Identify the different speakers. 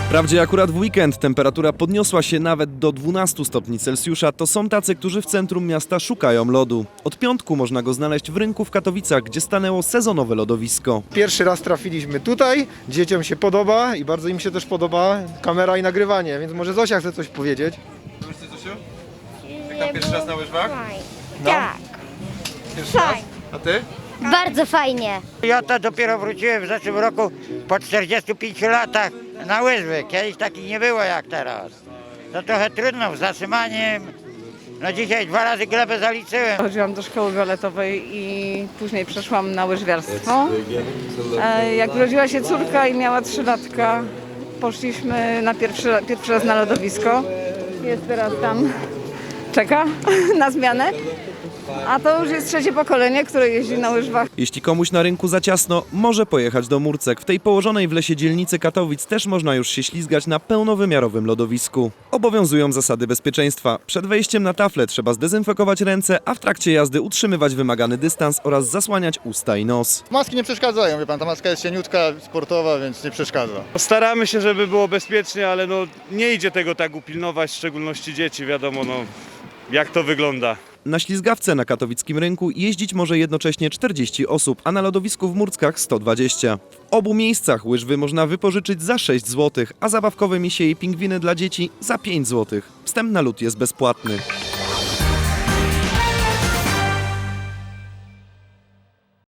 Speaker 1: Wprawdzie akurat w weekend temperatura podniosła się nawet do 12 stopni Celsjusza, to są tacy, którzy w centrum miasta szukają lodu. Od piątku można go znaleźć w rynku w Katowicach, gdzie stanęło sezonowe lodowisko.
Speaker 2: Pierwszy raz trafiliśmy tutaj, dzieciom się podoba i bardzo im się też podoba kamera i nagrywanie, więc może Zosia chce coś powiedzieć.
Speaker 1: Wiesz co, Zosiu? Jak tam pierwszy raz na łyżwach?
Speaker 2: No.
Speaker 3: Tak,
Speaker 1: Pierwszy raz? A ty?
Speaker 3: bardzo fajnie.
Speaker 4: Ja to dopiero wróciłem w zeszłym roku po 45 latach na łyżwy. Kiedyś takich nie było jak teraz. To trochę trudno z zatrzymaniem. No dzisiaj 2 razy glebę zaliczyłem.
Speaker 5: Chodziłam do szkoły baletowej i później przeszłam na łyżwiarstwo. Jak urodziła się córka i miała 3 latka, poszliśmy na pierwszy raz na lodowisko. Jest teraz tam, czeka na zmianę. A to już jest trzecie pokolenie, które jeździ na łyżwach.
Speaker 1: Jeśli komuś na rynku za ciasno, może pojechać do Murcek. W tej położonej w lesie dzielnicy Katowic też można już się ślizgać na pełnowymiarowym lodowisku. Obowiązują zasady bezpieczeństwa. Przed wejściem na taflę trzeba zdezynfekować ręce, a w trakcie jazdy utrzymywać wymagany dystans oraz zasłaniać usta i nos.
Speaker 6: Maski nie przeszkadzają, wie pan, ta maska jest cieniutka, sportowa, więc nie przeszkadza.
Speaker 7: Staramy się, żeby było bezpiecznie, ale no, nie idzie tego tak upilnować, w szczególności dzieci, wiadomo jak to wygląda.
Speaker 1: Na ślizgawce na katowickim rynku jeździć może jednocześnie 40 osób, a na lodowisku w Murckach 120. W obu miejscach łyżwy można wypożyczyć za 6 zł, a zabawkowe misie i pingwiny dla dzieci za 5 zł. Wstęp na lód jest bezpłatny.